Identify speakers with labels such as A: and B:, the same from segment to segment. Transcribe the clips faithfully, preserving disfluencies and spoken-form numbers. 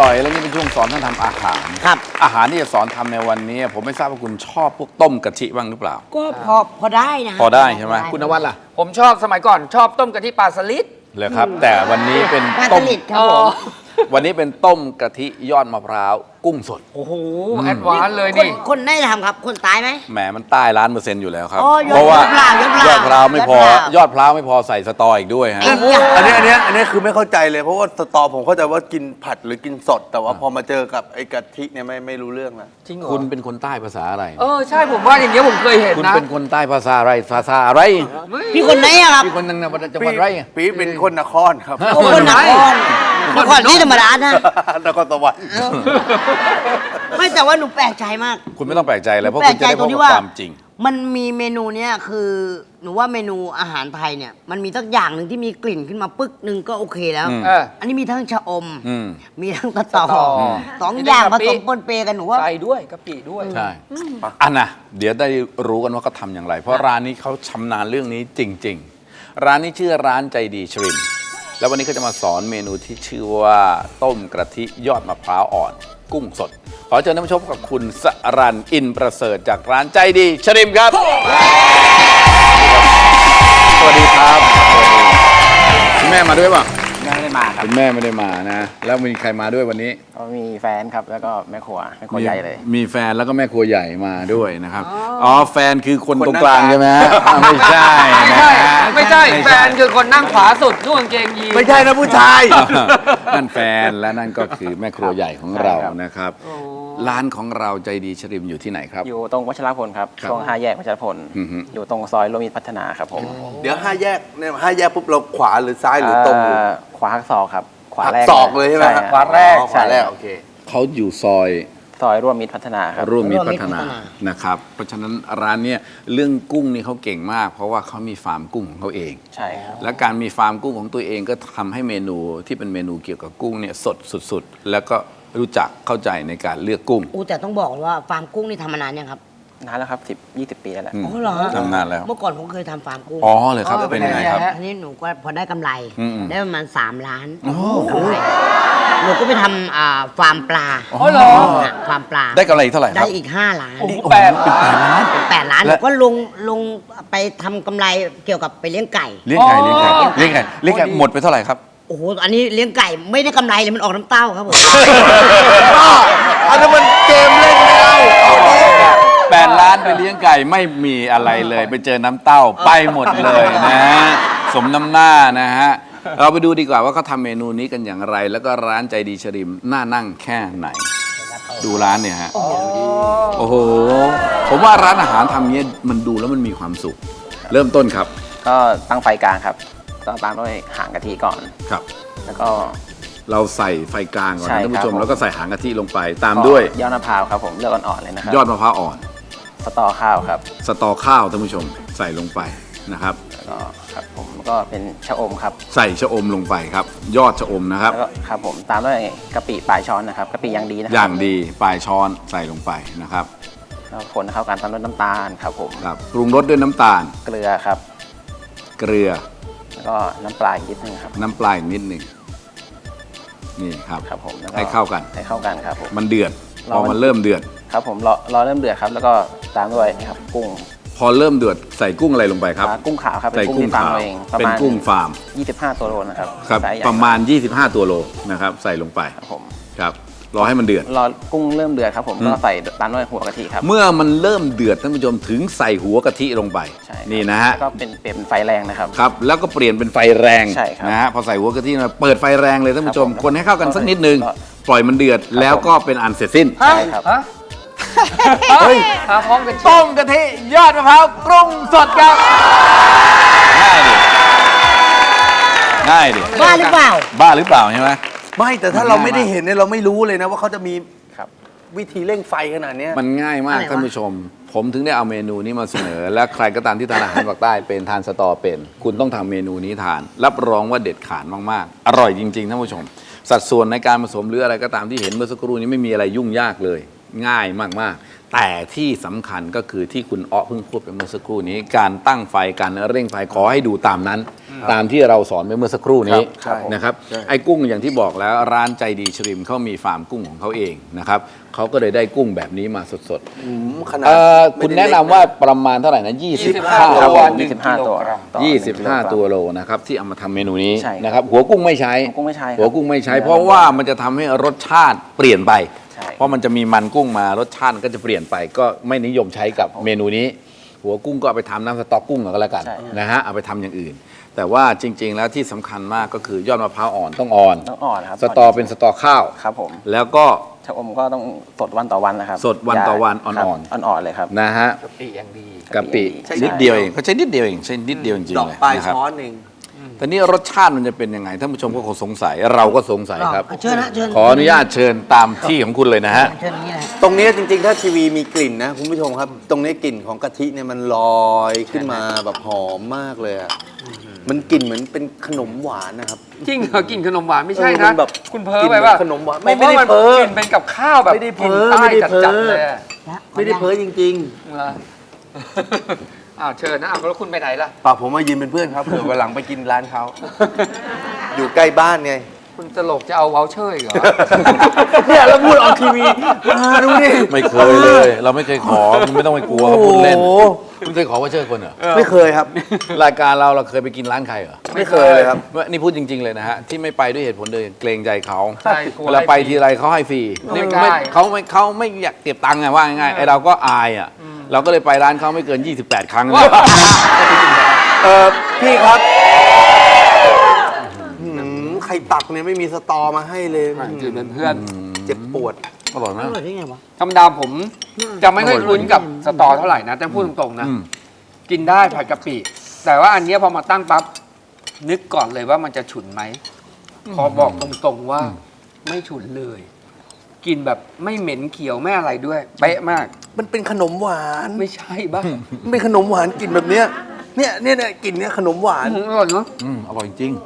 A: ร่อยแล้วนี่เป็นช่วงสอนท่านทำอาหารครับอาหารที่จะสอนทำในวันนี้ผมไม่ทราบว่าคุณชอบพวกต้มกะทิบ้างหรือเปล่า
B: ก็พอพอได้นะ
A: พอได้ใช่ไหมคุณนวัดล่ะ
C: ผมชอบสมัยก่อนชอบต้มกะทิปลาสลิด
A: เลยครับแต่วันนี้เป็น
B: ต้มครับผม
A: วันนี้เป็นต้มกะทิยอดมะพร้าวกุ้งสด
C: โอ้โหแอดวานซ์เลยนี่
B: คนได้ทำครับคนตายไหม
A: แหมมันใต้ล้านเปอร์เซ็นต์อยู่แล้วครับ
B: เพราะว่าย
A: อดพร้าวไม่พอยอดพร้าวไม่พอใส่สตออีกด้วยฮะ
D: อันนี้อันนี้อันนี้คือไม่เข้าใจเลยเพราะว่าสตอผมเข้าใจว่ากินผัดหรือกินสดแต่ว่าพอมาเจอกับไอ้กะทิเนี่ยไม่ไม่รู้เรื่องนะ
C: จริงเหรอ
A: คุณเป็นคนใต้ภาษาอะไร
C: เออใช่ผมว่าอย่างเงี้ยผมเคยเห็นนะ
A: คุณเป็นคนใต้ภาษาอะไรภาษาอะไร
B: พี่คนไหนอะครับ
A: พี่คนจังหวัดจังหวัดไร
D: ปีเป็นคนนครครับ
B: คนนครนครนี่ธรรมดานะ
D: นครสวรรค์
B: ไม่แต่ว่าหนูแปลกใจมาก
A: คุณไม่ต้องแปลกใจเลยเพราะคุณจะได้พบกับความจริง
B: มันมีเมนูเนี้ยคือหนูว่าเมนูอาหารไทยเนี่ยมันมีสักอย่างหนึ่งที่มีกลิ่นขึ้นมาปึ๊กหนึ่งก็โอเคแล้วอันนี้มีทั้งชะอมมีทั้งตะตอสองอย่างผสมปนเปกันหนูว่า
C: ใส่ด้วยกะปิด้วย
A: ใช่อันน่ะเดี๋ยวได้รู้กันว่าเขาทำอย่างไรเพราะร้านนี้เขาชำนาญเรื่องนี้จริงๆร้านนี้ชื่อร้านใจดีชริมแล้ววันนี้เขาจะมาสอนเมนูที่ชื่อว่าต้มกะทิยอดมะพร้าวอ่อนกุ้งสดขอเชิญท่านผู้ชมกับคุณสรัญอินประเสริฐจากร้านใจดีชริมครับสวัสดีครับคุณแม่มาด้วยป่ะ
E: แม่ไม่ได้มาครับ
A: คุณแม่ไม่ได้มานะแล้วมีใครมาด้วยวันนี้
E: ก็มีแฟนครับแล้วก็แม่ครัวแม่ครัวใหญ่เลย
A: มีแฟนแล้วก็แม่ครัวใหญ่มาด้วยนะครับอ๋อแฟนคือคนตรงกลางใช่ไหมไม่ใช่
C: ไม่ใช่ไม่ใช่แฟนคือคนนั่งขวาสุดนุ่งกางเกงยีน
D: ไม่ใช่นะผู้ชาย
A: นั่นแฟนและนั่นก็คือแม่ครัวใหญ่ของเรานะครับร้านของเราใจดีชริมอยู่ที่ไหนครับ
E: อยู่ตรงวัชรพลครับช่วงห้าแยกวัชรพลอยู่ตรงซอยโรมิตพัฒนาครับผม
D: เดี๋ยวห้าแยกเนี่ยห้าแยกปุ๊บเราขวาหรือซ้ายหรือตรง
E: ขวาหักศอกครับขวาแรก
D: ศอกเลยใช่ไหม
C: ขวาแรก
D: ขวาแรกโอเค
A: เขาอยู่ซอย
E: ซอยร่วมมิตรพัฒนาครับ
A: ร่วมมิตรพัฒนานะครับเพราะฉะนั้นร้านเนี่ยเรื่องกุ้งนี่เขาเก่งมากเพราะว่าเขามีฟาร์มกุ้งของเขาเอง
E: ใช่ครับ
A: และการมีฟาร์มกุ้งของตัวเองก็ทำให้เมนูที่เป็นเมนูเกี่ยวกับกุ้งเนี่ยสดสุดๆแล้วก็รู้จักเข้าใจในการเลือกกุ้ง
B: อู้แต่ต้องบอกว่าฟาร์มกุ้งนี่ทำมานานยังครับ
E: นานแล้วครับสิบยี่สิบปีแล้วแหละ
B: อ๋อเหรอ
A: ทำนานแล้ว
B: เมื่อก่อนผมเคยทำฟาร์มกุ้ง
A: อ๋อเลยครับเป็นยังไงครับ
B: อันนี้หนูก็พอได้กำไรได้ประมาณสามล้านหนูก็ไปทำฟาร์มปลา
C: อ๋อเหรอ
B: ฟาร์มปลา
A: ได้กำไรเท่าไหร่ครับ
B: ได้อีกห้าล้าน
C: แปด
B: ล้านแปดล้านหนูก็ลงลงไปทำกำไรเกี่ยวกับไปเลี้ยงไก่
A: เลี้ยงไก่เลี้ยงไก่เลี้ยงไก่เลี้ยงไก่หมดไปเท่าไหร่ครับ
B: โอ้โหอันนี้เลี้ยงไก่ไม่ได้กำไรเลยมันออกน้ำเต้าครับผม
D: อันนั้นมันเกมเล่นไม่เอา
A: แปดล้านไปเลี้ยงไก่ไม่มีอะไรเลยไปเจอน้ำเต้าไปหมดเลยนะสมน้ำหน้านะฮะเราไปดูดีกว่าว่าเขาทำเมนูนี้กันอย่างไรแล้วก็ร้านใจดีชริมน่านั่งแค่ไหนดูร้านเนี่ยฮะโอ้โหผมว่าร้านอาหารทำเนี้ยมันดูแล้วมันมีความสุขเริ่มต้นครับ
E: ก็ตั้งไฟกลางครับก็ตามด้วยหางกะทิก่อน
A: ครับ
E: แล้วก็
A: เราใส่ไฟกลางก่อนนะท่านผู้ชมแล้วก็ใส่หางกะทิลงไปตามด้วย
E: ยอดมะพร้าวครับผมเลือกอ่อนๆเลยนะครับ
A: ยอดมะพร้าวอ่อน
E: สตอข้าวครับ
A: สตอข้าวท่านผู้ชมใส่ลงไปนะครับ
E: แล้วก็ครับผมก็เป็นชะอมครับ
A: ใส่ชะอมลงไปครับยอดชะอมนะครับ
E: แล้วก็ครับผมตามด้วยกะปิปลายช้อนนะครับกะปิอย่างดีนะ
A: อย่างดีปลายช้อนใส่ลงไปนะครับ
E: แล้วคนเข้ากันตามด้วยน้ำตาลครับผม
A: ครับปรุงรสด้วยน้ำตาล
E: เกลือครับ
A: เกลือ
E: แล้วก็น้ำปลาอีกนิดนึงครับ
A: น้ำปลาอีกนิดนึงนี่ครับ
E: ครับผม
A: ให้เข้ากัน
E: ให้เข้ากันครับผม
A: มันเดือดพอมันเริ่มเดือด
E: ครับผมรอรอเริ่มเดือดครับแล้วก็ตามด้วยนี่ครับกุ้ง
A: พอเริ่มเดือดใส่กุ้งอะไรลงไปครับ
E: กุ้งขาวครับ
A: ใส่กุ้งขาวเป็นกุ้งฟาร์ม
E: ยี่สิบห้าตัวโลนะครับ
A: ครับประมาณยี่สิบห้าตัวโลนะครับใส่ลงไปครับผมครับรอให้มันเดือด
E: รอกุ้งเริ่มเดือดครับผมก็ใส่ตามด้วยหัวกะทิครับ
A: เมื่อมันเริ่มเดือดท่านผู้ชมถึงใส่หัวกะทิลงไปนี่นะฮะ
E: ก็เป็นเปลี่ยนเป็นไฟแรงนะครับ
A: ครับแล้วก็เปลี่ยนเป็นไฟแรงนะฮะพอใส่หัวกะทิมาเปิดไฟแรงเลยท่านผู้ชมคนให้เข้ากันสักนิดนึงปล่อยมันเดือดแล้วก็เป็นอันเสร็จสิ้น
C: ใช่ครับเฮ้ยพร้อมกัน
A: ต้มกะทิยอดมะพร้าวกุ้งสดครับง่ายดิ
B: บ้าหรือเปล่า
A: บ้าหรือเปล่าใช่ไหม
D: ไม่แต่ถ้าเราไม่ได้เห็นเนี่ยเราไม่รู้เลยนะว่าเขาจะมีวิธีเร่งไฟขนาดนี้
A: มันง่ายมากท่านผู้ชมผมถึงได้เอาเมนูนี้มาเสนอและใครก็ตามที่ทานอาหารภาคใต้เป็นทานสตอเป็นคุณต้องทำเมนูนี้ทานรับรองว่าเด็ดขาดมากๆอร่อยจริงๆท่านผู้ชมสัดส่วนในการผสมหรืออะไรก็ตามที่เห็นเมื่อสักครู่นี้ไม่มีอะไรยุ่งยากเลยง่ายมากๆ แต่ที่สำคัญก็คือที่คุณอ้อเพิ่งพูดไปเมื่อสักครู่นี้ การตั้งไฟการเร่งไฟขอให้ดูตามนั้น ตามที่เราสอนไปเมื่อสักครู่นี้
D: ครับ
A: นะครับไอ้กุ้งอย่างที่บอกแล้วร้านใจดีชริมเขามีฟาร์มกุ้งของเขาเองนะครับเขาก็เลยได้กุ้งแบบนี้มาสด
D: อืมข
A: ๆ
D: นาด
A: เอ่อ
D: ไม่
A: คุณ
D: ได้
A: แนะนำว่าประมาณเท่าไหร่นะ
C: ยี่สิบ
A: 25
C: ห้า
E: ครับ
C: ตัว
E: ผมยี่สิบห้าตัวต่อ
A: ยี่สิบห้า
E: หนึ่งกิโลกรัม
A: ตัวโลนะครับที่เอามาทำเมนูนี้
E: ใช่ครับ
A: นะครับหัวกุ้งไม่ใช้
E: หัวกุ้งไม่ใช้ครับ
A: หัวกุ้งไม่ใช้ เพราะว่ามันจะทำให้รสชาติเปลี่ยนไป
E: ใช่
A: เพราะมันจะมีมันกุ้งมารสชาติก็จะเปลี่ยนไป ก็ไม่นิยมใช้กับเมนูนี้ หัวกุ้งก็เอาไปทำน้ำสต๊อกกุ้งก็แล้วกัน
E: ใช่
A: นะฮะเอาไปทำอย่างอื่น แต่ว่าจริง ๆ แล้วที่สำคัญมากก็คือยอดมะพร้าวอ่อนต้องอ่อน
E: ต้องอ่อนครับ
A: สตอเป็นสตอข้าว
E: ครับผม
A: แล้วก็
E: ชะอมก็ต้องสดวันต่อวันนะครับ
A: สดวันต่อวัน
E: ครับ
A: อ่อนๆ
E: อ่อนๆเลยครับ
A: นะฮะ
C: กะปิอย่างดี
A: กะปิ
E: ใช่
A: นิดเดียวเองเขาใช้นิดเดียวเองใช้นิดเดียวจริง
D: ด
A: ๆ
D: อก
A: เลย
D: ปลาย
A: นะครับ
D: ช้อนเอง
A: แต่นี่รสชาติมันจะเป็นยังไงท่านผู้ชมก็คงสงสัยเราก็สงสัยครับ
B: เชิญนะเชิญ
A: ขออนุญาตเชิญตามที่ของคุณเลยนะฮะ
B: เชิญอย่างนี้นะ
D: ตรงนี้จริงๆ ถ้าทีวีมีกลิ่นนะคุณผู้ชมครับ ตรงนี้กลิ่นของกะทิเนี่ยมันลอยขึ้นมาแบบหอมมากเลยอ่ะมันกลิ่นเหมือนเป็นขนมหวานนะครับ
C: จริงเหรอกินขนมหวานไม่ใช่
D: เออมั
C: นะ
D: นแบบ
C: คุณเพ้อไปว่า
D: กินเหมือนขนมหวานไม่
C: ไม่
D: ไม่
C: ไม่
D: ได้
C: ได้
D: เพ้
C: เพ้
D: อ
C: อกินเป็นกับข้าวแบบ
D: ไม่ได้เพ้
C: กิน
D: อ
C: ใต้
D: ไม่ได้เพ้อ
C: จัดๆเลยอะ
D: ไม่ได้เพ้อจริง
C: เหรออ้าวเชิญนะอ้าวแล้วคุณไปไหนล่ะ
D: ๆป่าผมมายืนเป็นเพื่อนครับเผื่อวันหลังไปกินร้านเขา อยู่ใกล้บ้านไง
C: คุณตลกจะเอาวอลเชอร์อีกเหรอ
D: เนี่ยแล้วพูดออกทีวีมาดูดิ
A: ไม่เคยเลย เราไม่เคยขอคุณไม่ต้องไปกลัวเขาพูดเล่น
D: โอ้โห
A: คุณเคยขอว่าเชิญคนเหรอ
D: ไม่เคยครับ
A: รายการเราเราเคยไปกินร้านใครเหรอ
D: ไม่เคยเลยครับ
A: ว่านี่พูดจริง ๆ เลยนะฮะที่ไม่ไปด้วยเหตุผลเดียวเกรงใจเขา
C: ใช่กลัว
A: เวลาไปทีไรเขาให้ฟรี
C: ไม่
A: นี่
C: กล้า
A: ไม่เขาไม่เขาไม่อยากเก็บตังค์ไงว่าง่ายๆไอเราก็อายอ่ะเราก็เลยไปร้านเขาไม่เกิน ยี่สิบแปด ครั้ง
D: เออพี่ครับหืมไข่ตักเนี่ยไม่มีสตอมาให้เลย
C: จืดเป็นเพื่อน
D: เจ็บปวด
A: อร่อยมาก
B: อร่อยได้ไงวะ
C: ธรรมดาผมจะไม่ค่อยคุ้นกับสตอเท่าไหร่นะแต่พูดตรงๆนะ
A: อืม
C: กินได้ผัดกะปิ แต่ว่าอันเนี้ยพอมาตั้งปั๊บนึกก่อนเลยว่ามันจะฉุนไหมพอบอกตรงๆว่าไม่ฉุนเลย กินแบบไม่เหม็นเขียวไม่อะไรด้วยเป๊ะมาก
D: มันเป็นขนมหวาน
C: ไม่ใช่บ้า
D: มันเป็นขนมหวานกลิ่นแบบเนี้ยเนี่ยเนี่ยเนี่ยกลิ่นเนี่ยขนมหวาน
C: อืมอร่อยเนาะ
A: อืมอร่อยจริง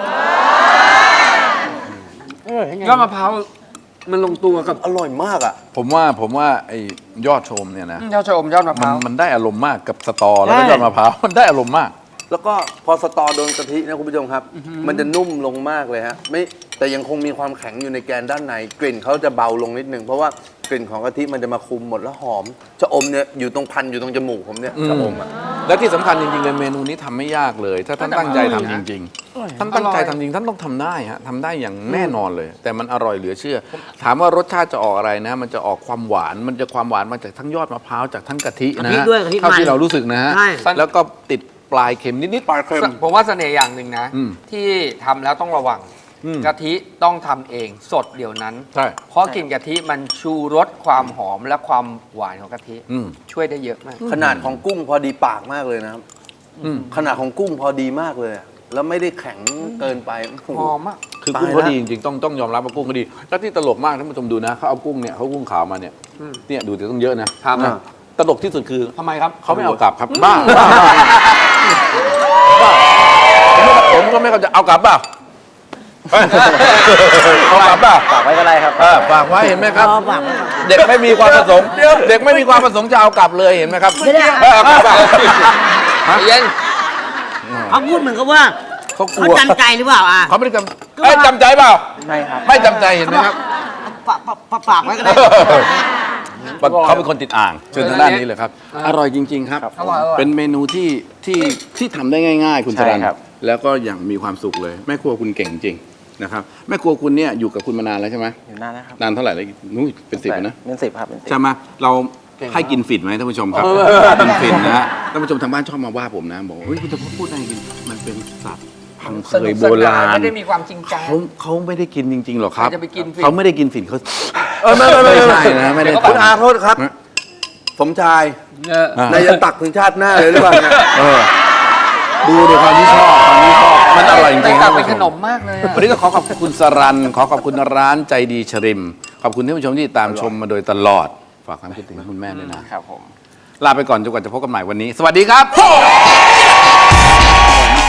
C: ยอดมะพร้าวมันลงตัวกับ
D: อร่อยมากอ่ะ
A: ผมว่าผมว่าไอ้ยอดชมเนี่ยนะ
C: ยอดชะอมยอดมะพ
A: มัน
C: ร้าว
A: มันได้อารมณ์มากกับสตอแล้วก็ยอดมะพร้าว มันได้อารมณ์มาก
D: แล้วก็พอสตอโดนกะทินะคุณผู้ชมครับ มันจะนุ่มลงมากเลยฮะไม่แต่ยังคงมีความแข็งอยู่ในแกนด้านในกลิ่นเขาจะเบาลงนิดนึงเพราะว่ากลิ่นของกะทิมันจะมาคุมหมดแล้วหอมชะอมเนี่ยอยู่ตรงพันอยู่ตรงจมูกผมเนี่ยชะอมอ่ะ
A: และที่สำคัญจริงๆเลยเมนูนี้ทำไม่ยากเลย ถ้าท่านตั้งใจทำจริงๆท่านตั้งใจทำจริงท่านต้องทำได้ฮะทำได้อย่างแน่นอนเลย แต่มันอร่อยเหลือเชื่อ ถามว่ารสชาติจะออกอะไรนะ มันจะออกความหวาน มันจะความหวานมาจากทั้งยอดมะพร้าวจากทั้งกะทินะ
B: กะทิ
A: ฮะ
B: ด้วยกะทิ
A: เท่าที่
B: มัน
A: เรารู้สึกนะฮะ
B: ใช่
A: แล้วก็ติดปลายเค็มนิด
D: ปลาเค็ม
C: ผมว่าเสน่ห์อย่างหนึ่งนะ
A: อืม
C: ที่ทำแล้วต้องระวัง
A: อืม
C: กะทิต้องทำเองสดเดี๋ยวนั้น
A: ๆใช่
C: เพราะกลิ่นกะทิมันชูรสความหอมและความหวานของกะทิ
A: อืม
C: ช่วยได้เยอะมาก
D: ขนาดของกุ้งพอดีปากมากเลยนะครับ
A: อืม
D: ขนาดของกุ้งพอดีมากเลยอะแล้วไม่ได้แข็งเกินไปโอ้โห
C: หอมมาก
A: คือกุ้ง
D: ตาย
A: เขา
D: ละ
A: ดีจริงๆต้องต้องยอมรับว่ากุ้งเขาดี แล้วที่ตลกมากท่านผู้ชมดูนะเขาเอากุ้งเนี่ยเขากุ้งขาวมาเนี่ย
C: อืม
A: เนี่ยดูแต่ต้องเยอะนะครับ นะตลกที่สุดคือ
C: ทำไมครับ
A: เขาไม่เอากลับครับบ้าบ้าบ้าผมก็ไม่เข้าใจเอากลับเปล่าเอ้ยเอากลับเปล่า
E: ฝากไว้ก็ได้ครับ
A: เออฝากไว้เห็นไหมครับ
B: อ๋อฝากไว้ก่อน
A: เด็กไม่มีความประสงค์เด็กไม่มีความประสงค์จะเอากลับเลยเห็นไหมครับ
B: เดี๋ยว
A: เออเอากลับเปล่าฮะ
C: เย็น
B: เขาพูดเหมือนกับว่า
A: เขาก
B: เขา
A: ลัว
B: จำใจหรือเปล่าอ่ะ
A: เขาไม่ได้จำเอ้ยจำใจเปล่า
E: ไม่ครับ
A: ไม่จำใจเห็นไหมครับ
B: ฝากฝากฝากฝากไว้ก็ได้
A: เขาเป็นคนติดอ่างเชิญทางด้านนี้เลยครับ อร่อยจริง ๆ ครับ
C: อร่อยอร่อย
A: เป็นเมนูที่ที่ที่ทำได้ง่าย ๆ คุณสรัน
E: ใช่ครับ
A: แล้วก็อย่างมีความสุขเลย แม่ครัวคุณเก่งจริงนะครับแม่ครัวคุณเนี่ยอยู่กับคุณมานานแล้วใช่ไหม
E: อยู่นานนะครับ
A: นานเท่าไหร่แล้วนู้นเป็นสิบแล้วนะ
E: เป็นสิบครับเป็นสิบ
A: ใช่ไหมเราให้กินฝิ่นไหมท่านผู้ชมครับกินฝิ่นนะฮะท่านผู้ชมทางบ้านชอบมาว่าผมนะบอกว่าเฮ้ยคุณจะพูดอะไรกินมันเป็นสัตว์พังเค
C: สนุ
A: ย
C: ก
A: โบ
C: สนาน
A: ราณ
C: ไม่ได้มีความจริงจัง
A: เขาเขาไม่ได้กินจริง ๆ หรอกครับ
C: ใครจะไปกินฝิ่น
A: เขาไม่ได้กินฝิ่นเขา
D: เออไม่ไม่ไม่
A: ไม่
D: ไม่
A: ใช่นะไม่ได้
D: คุณอา
A: ทำ
D: โทษครับ สมชาย
C: เออ
A: อ่ะ
D: นายจะตักถึงชาติหน้าเลยหรือเปล่าเนี่ย
A: เออดูดูความที่ชอบความที่ชอบมันอร่อยจ
C: แต่
A: ริงๆ
C: กลั
A: ท่า
C: บ
A: น
C: เป็น
A: ผู้ช
C: ขน
A: ม
C: มมากเลยอะ
A: วันนี้ก็ขอขอบคุณคุณสรันขอขอบคุณร้านใจดีชริม ขอบคุณท่านผู้ชมที่ตามชมมาโดยตลอด ฝากความคิดถึงคุณแม่ด้วยนะครับ
E: ผม
A: ลาไปก่อนจนกว่าจะพบกันใหม่วันนี้ สวัสดีครับ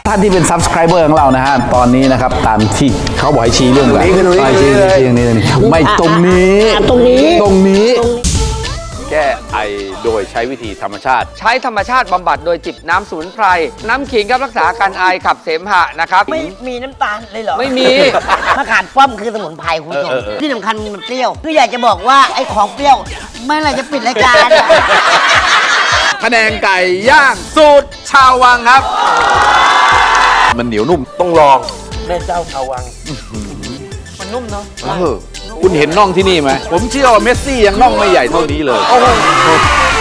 A: ท่านที่เป็น subscriber ของเรานะฮะ ตอนนี้นะครับ ตามที่เขาบอกให้ชี้เรื่องแบบ
D: ตรงนี้
A: ไปชี้ชี้ตรงนี้ตรงนี้ไม่ตรงนี้
B: ตรงนี้
A: ตรงนี้ แก้ไอโดยใช้วิธีธรรมชาติ
C: ใช้ธรรมชาติบำบัดโดยจิบน้ำสมุนไพร น้ำขิงครับรักษาอาการไอขับเสมหะนะครับ
B: ไม่มีน้ำตาลเลยเหรอ
C: ไม่มี
B: มะขามป้อมคือสมุนไพรคุณผู้ชมที่สำคัญมันเปรี้ยวคืออยากจะบอกว่าไอ้ของเปรี้ยวเมื่อไหร่จะปิดรายการ
A: พะแนงไก่ย่างสูตรชาววังครับ มันเหนียวนุ่ม
D: ต้องลองแม่เจ้าชาววัง
C: มันนุ่มเนาะ
A: เออคุณเห็นน่องที่นี่ไหม ผมเชื่อว่าเมสซี่ยังน่องไม่ใหญ่เท่านี้เลย
C: โอ้โห